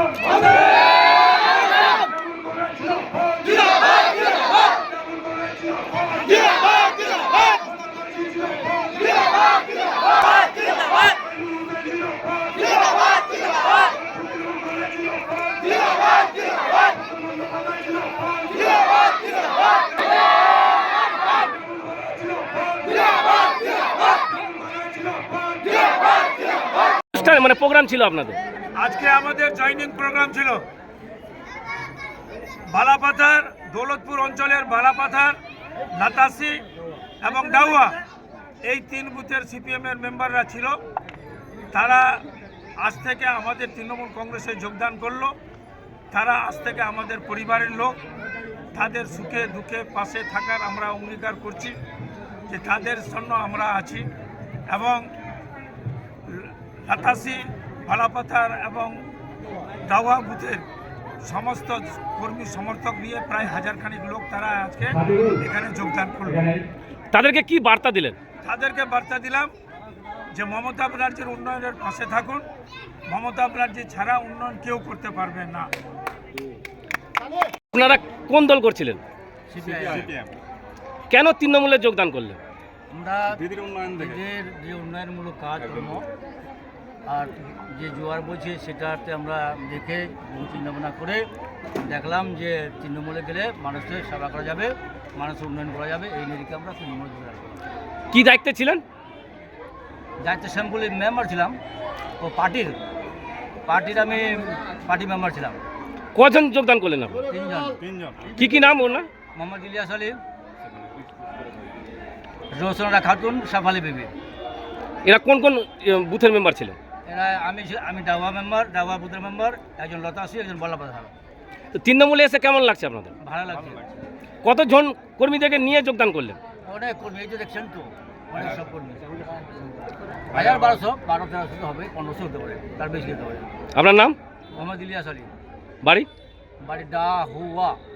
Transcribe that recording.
মানে প্রোগ্রাম ছিল আপনাদের? আজকে আমাদের জয়নিং প্রোগ্রাম ছিল। বালাপাথার, দৌলতপুর অঞ্চলের বালাপাথার, লাতাসি এবং ডাউয়া, এই 3 বুথের সিপিএমের মেম্বাররা ছিল। তারা আজ থেকে আমাদের তৃণমূল কংগ্রেসে যোগদান করলো। তারা আজ থেকে আমাদের পরিবারের লোক। তাদের সুখে দুঃখে পাশে থাকার আমরা অঙ্গীকার করছি যে তাদের জন্য আমরা আছি। এবং লাতাসি, বালাপাথার এবং ডাউয়া বুথের সমস্ত কর্মী সমর্থক নিয়ে প্রায় 1000 খানিক লোক তারা আজকে এখানে যোগদান করল। তাদেরকে কি বার্তা দিলেন? তাদেরকে বার্তা দিলাম যে মমতা ব্যানার্জির উন্নয়নের পাশে থাকুন। মমতা ব্যানার্জি ছাড়া উন্নয়ন কেউ করতে পারবে না। আপনারা কোন দল করছিলেন? সিপিএম। কেন তৃণমূলে যোগদান করলেন? আমরা দিদির যে উন্নয়নমূলক কাজকর্ম আর যে জোয়ার বইছে সেটাতে আমরা দেখে চিন্তাভাবনা করে দেখলাম যে তৃণমূলে গেলে মানুষের সেবা করা যাবে, মানুষের উন্নয়ন করা যাবে। এই নিরিখে আমরা তৃণমূলে যোগদান করলাম। কী দায়িত্বে ছিলেন? দায়িত্ব শ্যামপুলি মেম্বার ছিলাম ও পার্টির আমি পার্টি মেম্বার ছিলাম। কজন যোগদান করলেন আপনি? 3জন। কি নাম ওনার? মোহাম্মদ ইলিয়াস আলী, রোশনা খাতুন, সাফালি বিবি। এরা কোন কোন বুথের মেম্বার ছিলেন? এরা আমি ডাওয়া মেম্বার, ডাওয়া বুথের মেম্বার, একজন লতাসি, একজন বালাপাথা। তো তৃণমূলে এসে কেমন লাগছে আপনাদের? ভালো লাগছে। কতজন কর্মীদেরকে নিয়ে যোগদান করলেন? অনেক কর্মী, এই যে দেখছেন তো অনেক সব কর্মী। 1200, 1300 হবে, 1500 হতে পারে, তার বেশি হতে পারে। আপনার নাম? মোহাম্মদ ইলিয়াস আলী। বাড়ি? বাড়ি ডাহুয়া।